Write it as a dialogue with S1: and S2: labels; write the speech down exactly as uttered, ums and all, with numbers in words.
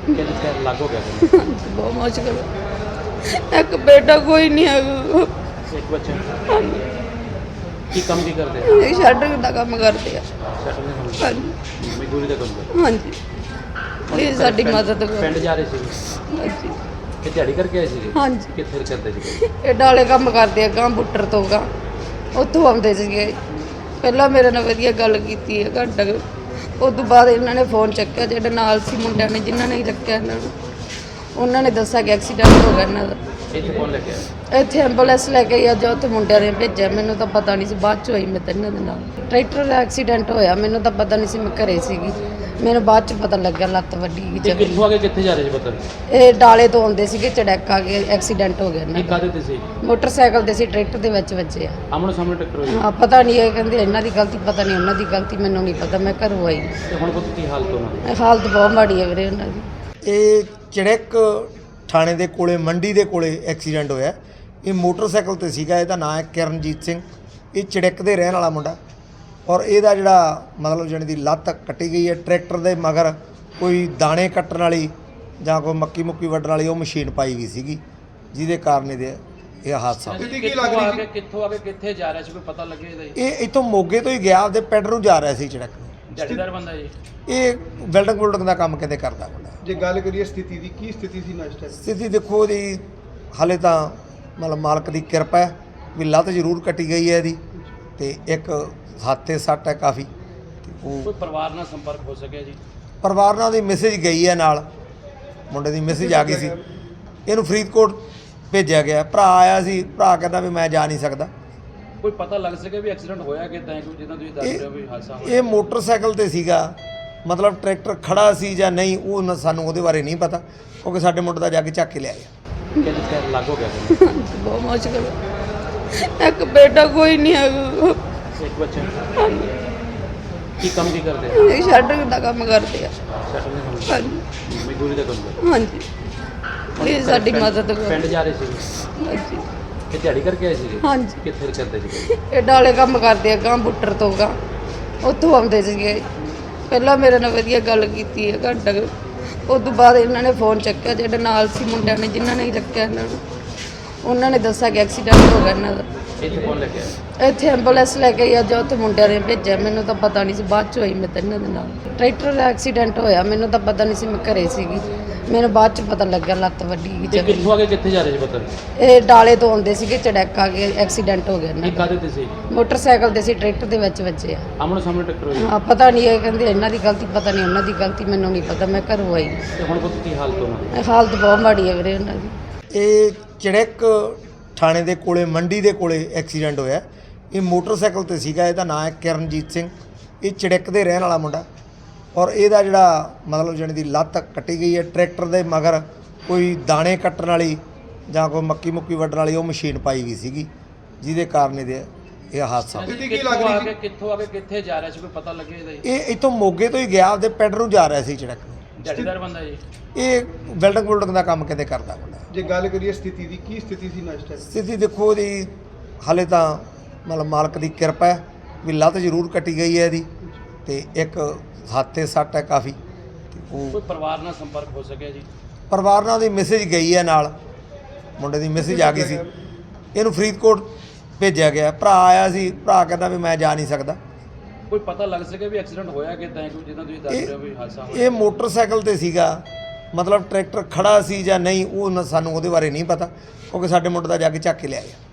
S1: ਕਹਿੰਦੇ ਪੈਰ ਲੱਗ ਹੋ ਗਿਆ ਸੀ।
S2: ਬਹੁਤ ਮੁਸ਼ਕਲ ਹੈ। ਇੱਕ ਬੇਟਾ ਕੋਈ ਨਹੀਂ ਹੈਗਾ।
S1: ਇੱਕ ਬੱਚਾ
S2: ਹਾਂਜੀ,
S1: ਕੀ ਕੰਮ ਕੀ ਕਰਦੇ ਆ?
S2: ਇਹ ਸ਼ਟਰਿੰਗ ਦਾ ਕੰਮ ਕਰਦੇ ਆ।
S1: ਸ਼ਟਲ ਦੇ ਕੰਮ
S2: ਹਾਂਜੀ
S1: ਮਜ਼ਦੂਰੀ ਦਾ ਕੰਮ ਕਰਦੇ
S2: ਹਾਂਜੀ, ਪਲੀਜ਼ ਸਾਡੀ
S1: ਪਿੰਡ-
S2: ਮਦਦ ਕਰੋ।
S1: ਪਿੰਡ ਜਾ ਰਹੇ ਸੀ
S2: ਹਾਂਜੀ
S1: ਕਿ ਦਿਹਾੜੀ ਕਰਕੇ ਆਏ ਸੀਗੇ?
S2: ਹਾਂਜੀ,
S1: ਕਿੱਥੇ ਕਰਦੇ ਸੀਗੇ?
S2: ਇਹ ਡਾਲੇ ਕੰਮ ਕਰਦੇ ਆ ਗਾਂ ਬੁੱਟਰ ਤੋਂ ਗਾਂ, ਉੱਥੋਂ ਆਉਂਦੇ ਸੀਗੇ। ਪਹਿਲਾਂ ਮੇਰੇ ਨਾਲ ਵਧੀਆ ਗੱਲ ਕੀਤੀ ਹੈ ਘੰਟਾ ਕੁ। ਉਸ ਤੋਂ ਬਾਅਦ ਇਹਨਾਂ ਨੇ ਫੋਨ ਚੱਕਿਆ, ਜਿਹੜੇ ਨਾਲ ਸੀ ਮੁੰਡਿਆਂ ਨੇ ਜਿਨ੍ਹਾਂ ਨੇ ਚੱਕਿਆ ਇਹਨਾਂ ਨੂੰ, ਉਹਨਾਂ ਨੇ ਦੱਸਿਆ ਕਿ ਐਕਸੀਡੈਂਟ ਹੋ ਗਿਆ ਇਹਨਾਂ ਦਾ।
S1: ਇੱਥੇ ਕੌਣ ਲੈ ਕੇ ਆਇਆ?
S2: ਇੱਥੇ ਐਂਬੂਲੈਂਸ ਲੈ ਕੇ ਆਇਆ, ਜੋ ਉੱਥੇ ਮੁੰਡਿਆਂ ਨੇ ਭੇਜਿਆ। ਮੈਨੂੰ ਤਾਂ ਪਤਾ ਨਹੀਂ ਸੀ, ਬਾਅਦ ਚ ਹੋਈ ਮੈਂ ਤਾਂ ਇਹਨਾਂ ਦੇ ਨਾਲ। ਟਰੈਕਟਰ ਦਾ ਐਕਸੀਡੈਂਟ ਹੋਇਆ, ਮੈਨੂੰ ਤਾਂ ਪਤਾ ਨਹੀਂ ਸੀ, ਮੈਂ ਘਰੇ ਸੀਗੀ। ਮੈਨੂੰ ਬਾਅਦ ਚ ਪਤਾ ਲੱਗਿਆ ਲੱਤ ਵੱਡੀ ਗਈ
S1: ਤੇ
S2: ਜਦ।
S1: ਕਿੱਥੋਂ ਆ ਕੇ ਕਿੱਥੇ ਜਾ ਰਹੇ ਸੀ ਪਤਾ?
S2: ਇਹ ਡਾਲੇ ਤੋਂ ਆਉਂਦੇ ਸੀਗੇ, ਚੜੈਕ ਆ ਕੇ ਐਕਸੀਡੈਂਟ ਹੋ ਗਿਆ ਇਹਨਾਂ
S1: ਇਹ
S2: ਦਾ।
S1: ਕਾਹਦੇ ਤੇ ਸੀ?
S2: ਮੋਟਰਸਾਈਕਲ ਦੇ ਸੀ, ਟਰੈਕਟਰ ਦੇ ਵਿੱਚ ਵੱਜੇ ਆ।
S1: ਆਮਣੇ ਸਾਹਮਣੇ ਟੱਕਰ ਹੋਈ?
S2: ਹਾਂ, ਪਤਾ ਨਹੀਂ, ਇਹ ਕਹਿੰਦੇ ਇਹਨਾਂ ਦੀ ਗਲਤੀ, ਪਤਾ ਨਹੀਂ ਉਹਨਾਂ ਦੀ ਗਲਤੀ, ਮੈਨੂੰ ਨਹੀਂ ਪਤਾ। ਮੈਂ ਘਰੋਂ ਆਈ।
S1: ਤੇ ਹੁਣ ਪੁੱਤ ਕੀ ਹਾਲਤ ਉਹਨਾਂ ਦੀ?
S2: ਹਾਲਤ ਬਹੁਤ ਮਾੜੀ ਹੈ ਵੀਰੇ ਉਹਨਾਂ ਦੀ।
S3: ਇਹ ਚੜੈਕ ਥਾਣੇ ਦੇ ਕੋਲੇ ਮੰਡੀ ਦੇ ਕੋਲੇ ਐਕਸੀਡੈਂਟ ਹੋਇਆ। ਇਹ ਮੋਟਰਸਾਈਕਲ ਤੇ ਸੀਗਾ। ਇਹਦਾ ਨਾਮ ਹੈ ਕਿਰਨਜੀਤ ਸਿੰਘ। ਇਹ ਚੜੈਕ ਦੇ ਰਹਿਣ ਵਾਲਾ ਮੁੰਡਾ, ਔਰ ਇਹਦਾ ਜਿਹੜਾ ਮਤਲਬ ਜਾਣੀ ਦੀ ਲੱਤ ਕੱਟੀ ਗਈ ਹੈ। ਟਰੈਕਟਰ ਦੇ ਮਗਰ ਕੋਈ ਦਾਣੇ ਕੱਟਣ ਵਾਲੀ ਜਾਂ ਕੋਈ ਮੱਕੀ ਮੁੱਕੀ ਵੱਢਣ ਵਾਲੀ ਉਹ ਮਸ਼ੀਨ ਪਾਈ ਗਈ ਸੀਗੀ, ਜਿਹਦੇ ਕਾਰਨ ਇਹਦੇ ਇਹ ਹਾਦਸਾ ਹੋਇਆ।
S1: ਕੀ ਲੱਗ ਰਹੀ ਸੀ? ਕਿੱਥੋਂ ਆ ਕੇ ਕਿੱਥੇ ਜਾ ਰਿਹਾ ਸੀ, ਕੋਈ ਪਤਾ ਲੱਗੇ ਇਹਦਾ?
S3: ਇਹ ਇੱਥੋਂ ਮੋਗੇ ਤੋਂ ਹੀ ਗਿਆ, ਆਪਦੇ ਪਿੰਡ ਨੂੰ ਜਾ ਰਿਹਾ ਸੀ ਚੜੈਕ ਨੂੰ।
S1: ਦਿਹਾੜੀਦਾਰ ਬੰਦਾ ਜੀ?
S3: ਇਹ ਵੈਲਡਿੰਗ ਵੁਲਡਿੰਗ ਦਾ ਕੰਮ ਕਹਿੰਦੇ ਕਰਦਾ ਮੁੰਡਾ।
S4: ਜੇ ਗੱਲ ਕਰੀਏ ਸਥਿਤੀ ਦੀ, ਕੀ ਸਥਿਤੀ ਸੀ ਇਸ ਟਾਈਮ?
S3: ਸਥਿਤੀ ਦੇਖੋ ਇਹਦੀ ਹਾਲੇ ਤਾਂ ਮਤਲਬ ਮਾਲਕ ਦੀ ਕਿਰਪਾ ਹੈ ਵੀ ਲੱਤ ਜ਼ਰੂਰ ਕੱਟੀ ਗਈ ਹੈ ਇਹਦੀ, ਤੇ ਇੱਕ ਹੱਥ 'ਤੇ ਸੱਟ ਹੈ ਕਾਫੀ। ਤੇ ਉਹ
S1: ਕੋਈ ਪਰਿਵਾਰ ਨਾਲ ਸੰਪਰਕ ਹੋ ਸਕਿਆ ਜੀ?
S3: ਪਰਿਵਾਰ ਨਾਲ ਦੀ ਮੈਸੇਜ ਗਈ ਹੈ, ਨਾਲ ਮੁੰਡੇ ਦੀ ਮੈਸੇਜ ਆ ਗਈ ਸੀ। ਇਹਨੂੰ ਫਰੀਦਕੋਟ ਭੇਜਿਆ ਗਿਆ। ਭਰਾ ਆਇਆ ਸੀ, ਭਰਾ ਕਹਿੰਦਾ ਵੀ ਮੈਂ ਜਾ ਨਹੀਂ ਸਕਦਾ।
S1: ਕੋਈ ਪਤਾ ਲੱਗ ਸਕਿਆ ਵੀ ਐਕਸੀਡੈਂਟ ਹੋਇਆ ਕਿੱਦਾਂ, ਕੋਈ ਜਿੱਦਾਂ ਤੁਸੀਂ ਦੱਸ ਰਹੇ ਹੋ ਵੀ ਹਾਦਸਾ ਹੋਇਆ?
S3: ਇਹ ਮੋਟਰਸਾਈਕਲ ਤੇ ਸੀਗਾ, ਮਤਲਬ ਟਰੈਕਟਰ ਖੜਾ ਸੀ ਜਾਂ ਨਹੀਂ ਉਹ ਨਾ ਸਾਨੂੰ ਉਹਦੇ ਬਾਰੇ ਨਹੀਂ ਪਤਾ, ਕਿਉਂਕਿ ਸਾਡੇ ਮੁੰਡੇ ਦਾ ਜਾ ਕੇ ਚੱਕ ਕੇ ਲਿਆਇਆ।
S1: ਕਹਿੰਦੇ ਪੈਰ ਲੱਗ ਹੋ ਗਿਆ ਸੀ।
S2: ਬਹੁਤ ਮੁਸ਼ਕਲ ਹੈ। ਇੱਕ ਬੇਟਾ ਕੋਈ ਨਹੀਂ ਹੈਗਾ।
S1: ਇੱਕ ਬੱਚਾ
S2: ਹਾਂਜੀ,
S1: ਕੀ ਕੰਮ ਕੀ ਕਰਦੇ ਆ?
S2: ਇਹ ਸ਼ਟਰਿੰਗ ਦਾ ਕੰਮ ਕਰਦੇ ਆ।
S1: ਸ਼ਟਲ ਦੇ ਕੰਮ
S2: ਹਾਂਜੀ
S1: ਮਜ਼ਦੂਰੀ ਦਾ ਕੰਮ ਕਰਦੇ?
S2: ਹਾਂਜੀ, ਪਲੀਜ਼ ਸਾਡੀ
S1: ਪਿੰਡ-
S2: ਮਦਦ ਕਰੋ।
S1: ਪਿੰਡ ਜਾ ਰਹੇ ਸੀ
S2: ਹਾਂਜੀ
S1: ਕਿ ਦਿਹਾੜੀ ਕਰਕੇ ਆਏ ਸੀਗੇ?
S2: ਹਾਂਜੀ,
S1: ਕਿੱਥੇ ਕਰਦੇ ਸੀਗੇ?
S2: ਇਹ ਡਾਲੇ ਕੰਮ ਕਰਦੇ ਆ ਗਾਂ ਬੁੱਟਰ ਤੋਂ ਗਾਂ, ਉੱਥੋਂ ਆਉਂਦੇ ਸੀਗੇ। ਪਹਿਲਾਂ ਮੇਰੇ ਨਾਲ ਵਧੀਆ ਗੱਲ ਕੀਤੀ ਹੈ ਘੰਟਾ ਕੁ। ਉਸ ਤੋਂ ਬਾਅਦ ਇਹਨਾਂ ਨੇ ਫੋਨ ਚੱਕਿਆ, ਜਿਹੜੇ ਨਾਲ ਸੀ ਮੁੰਡਿਆਂ ਨੇ ਜਿਨ੍ਹਾਂ ਨੇ ਚੱਕਿਆ ਇਹਨਾਂ ਨੂੰ, ਉਹਨਾਂ ਨੇ ਦੱਸਿਆ ਕਿ ਐਕਸੀਡੈਂਟ ਹੋ ਗਿਆ ਇਹਨਾਂ ਦਾ।
S1: ਇੱਥੇ ਕੌਣ ਲੈ ਕੇ ਆਇਆ?
S2: ਇੱਥੇ ਐਂਬੂਲੈਂਸ ਲੈ ਕੇ ਆਇਆ, ਜੋ ਉੱਥੇ ਮੁੰਡਿਆਂ ਨੇ ਭੇਜਿਆ। ਮੈਨੂੰ ਤਾਂ ਪਤਾ ਨਹੀਂ ਸੀ, ਬਾਅਦ ਚ ਹੋਈ ਮੈਂ ਤਾਂ ਇਹਨਾਂ ਦੇ ਨਾਲ। ਟਰੈਕਟਰ ਦਾ ਐਕਸੀਡੈਂਟ ਹੋਇਆ, ਮੈਨੂੰ ਤਾਂ ਪਤਾ ਨਹੀਂ ਸੀ, ਮੈਂ ਘਰੇ ਸੀਗੀ। ਮੈਨੂੰ ਬਾਅਦ ਚ ਪਤਾ ਲੱਗਿਆ ਲੱਤ ਵੱਡੀ ਗਈ
S1: ਤੇ
S2: ਜਦ।
S1: ਕਿੱਥੋਂ ਆ ਕੇ ਕਿੱਥੇ ਜਾ ਰਹੇ ਸੀ ਪਤਾ?
S2: ਇਹ ਡਾਲੇ ਤੋਂ ਆਉਂਦੇ ਸੀਗੇ, ਚੜੈਕ ਆ ਕੇ ਐਕਸੀਡੈਂਟ ਹੋ ਗਿਆ ਇਹਨਾਂ
S1: ਇਹ
S2: ਦਾ।
S1: ਕਾਹਦੇ ਤੇ ਸੀ?
S2: ਮੋਟਰਸਾਈਕਲ ਦੇ ਸੀ, ਟਰੈਕਟਰ ਦੇ ਵਿੱਚ ਵੱਜੇ ਆ।
S1: ਆਮਣੇ ਸਾਹਮਣੇ ਟੱਕਰ ਹੋਈ?
S2: ਹਾਂ, ਪਤਾ ਨਹੀਂ, ਇਹ ਕਹਿੰਦੇ ਇਹਨਾਂ ਦੀ ਗਲਤੀ, ਪਤਾ ਨਹੀਂ ਉਹਨਾਂ ਦੀ ਗਲਤੀ, ਮੈਨੂੰ ਨਹੀਂ ਪਤਾ। ਮੈਂ ਘਰੋਂ ਆਈ।
S1: ਤੇ ਹੁਣ ਪੁੱਤ ਕੀ ਹਾਲਤ ਉਹਨਾਂ ਦੀ?
S2: ਹਾਲਤ ਬਹੁਤ ਮਾੜੀ ਹੈ ਵੀਰੇ ਉਹਨਾਂ ਦੀ।
S3: ਇਹ ਚੜੈਕ ਥਾਣੇ ਦੇ ਕੋਲੇ ਮੰਡੀ ਦੇ ਕੋਲੇ ਐਕਸੀਡੈਂਟ ਹੋਇਆ। ਇਹ ਮੋਟਰਸਾਈਕਲ ਤੇ ਸੀਗਾ। ਇਹਦਾ ਨਾਮ ਹੈ ਕਿਰਨਜੀਤ ਸਿੰਘ। ਇਹ ਚੜੈਕ ਦੇ ਰਹਿਣ ਵਾਲਾ ਮੁੰਡਾ, ਔਰ ਇਹਦਾ ਜਿਹੜਾ ਮਤਲਬ ਜਾਣੀ ਦੀ ਲੱਤ ਕੱਟੀ ਗਈ ਹੈ। ਟਰੈਕਟਰ ਦੇ ਮਗਰ ਕੋਈ ਦਾਣੇ ਕੱਟਣ ਵਾਲੀ ਜਾਂ ਕੋਈ ਮੱਕੀ ਮੁੱਕੀ ਵੱਢਣ ਵਾਲੀ ਉਹ ਮਸ਼ੀਨ ਪਾਈ ਗਈ ਸੀਗੀ, ਜਿਹਦੇ ਕਾਰਨ ਇਹਦੇ ਇਹ ਹਾਦਸਾ ਹੋਇਆ।
S4: ਸਥਿਤੀ ਕੀ
S1: ਕਿੱਥੋਂ
S4: ਲੱਗ ਰਹੀ
S1: ਆ
S4: ਸੀ?
S1: ਕੇ ਕਿੱਥੋਂ ਆ ਕੇ ਕਿੱਥੇ ਜਾ ਰਿਹਾ ਸੀ, ਕੋਈ ਪਤਾ ਲੱਗੇ ਇਹਦਾ?
S3: ਇਹ ਇੱਥੋਂ ਮੋਗੇ ਤੋਂ ਹੀ ਗਿਆ, ਆਪਦੇ ਪਿੰਡ ਨੂੰ ਜਾ ਰਿਹਾ ਸੀ ਚੜੈਕ ਨੂੰ।
S1: ਦਿਹਾੜੀਦਾਰ ਬੰਦਾ ਜੀ?
S3: ਇਹ ਵੈਲਡਿੰਗ ਵੁਲਡਿੰਗ ਦਾ ਕੰਮ ਕਹਿੰਦੇ ਕਰਦਾ ਮੁੰਡਾ।
S4: ਜੇ ਗੱਲ ਕਰੀਏ ਸਥਿਤੀ ਦੀ, ਕੀ ਸਥਿਤੀ ਸੀ ਇਸ ਟਾਈਮ?
S3: ਸਥਿਤੀ ਦੇਖੋ ਇਹਦੀ ਹਾਲੇ ਤਾਂ ਮਤਲਬ ਮਾਲਕ ਦੀ ਕਿਰਪਾ ਹੈ ਵੀ ਲੱਤ ਜ਼ਰੂਰ ਕੱਟੀ ਗਈ ਹੈ ਇਹਦੀ, ਤੇ ਇੱਕ ਹੱਥ 'ਤੇ ਸੱਟ ਹੈ ਕਾਫੀ। ਤੇ ਉਹ
S1: ਕੋਈ ਪਰਿਵਾਰ ਨਾਲ ਸੰਪਰਕ ਹੋ ਸਕਿਆ ਜੀ?
S3: ਪਰਿਵਾਰ ਨਾਲ ਦੀ ਮੈਸੇਜ ਗਈ ਹੈ, ਨਾਲ ਮੁੰਡੇ ਦੀ ਮੈਸੇਜ ਆ ਗਈ ਸੀ। ਇਹਨੂੰ ਫਰੀਦਕੋਟ ਭੇਜਿਆ ਗਿਆ। ਭਰਾ ਆਇਆ ਸੀ, ਭਰਾ ਕਹਿੰਦਾ ਵੀ ਮੈਂ ਜਾ ਨਹੀਂ ਸਕਦਾ।
S1: ਕੋਈ ਪਤਾ ਲੱਗ ਸਕਿਆ ਵੀ ਐਕਸੀਡੈਂਟ ਹੋਇਆ ਕਿੱਦਾਂ, ਕੋਈ ਜਿੱਦਾਂ ਤੁਸੀਂ ਦੱਸ ਰਹੇ ਹੋ ਵੀ ਹਾਦਸਾ ਹੋਇਆ?
S3: ਇਹ ਮੋਟਰਸਾਈਕਲ ਤੇ ਸੀਗਾ, ਮਤਲਬ ਟਰੈਕਟਰ ਖੜਾ ਸੀ ਜਾਂ ਨਹੀਂ ਉਹ ਨਾ ਸਾਨੂੰ ਉਹਦੇ ਬਾਰੇ ਨਹੀਂ ਪਤਾ, ਕਿਉਂਕਿ ਸਾਡੇ ਮੁੰਡੇ ਦਾ ਜਾ ਕੇ ਚੱਕ ਕੇ ਲਿਆਇਆ।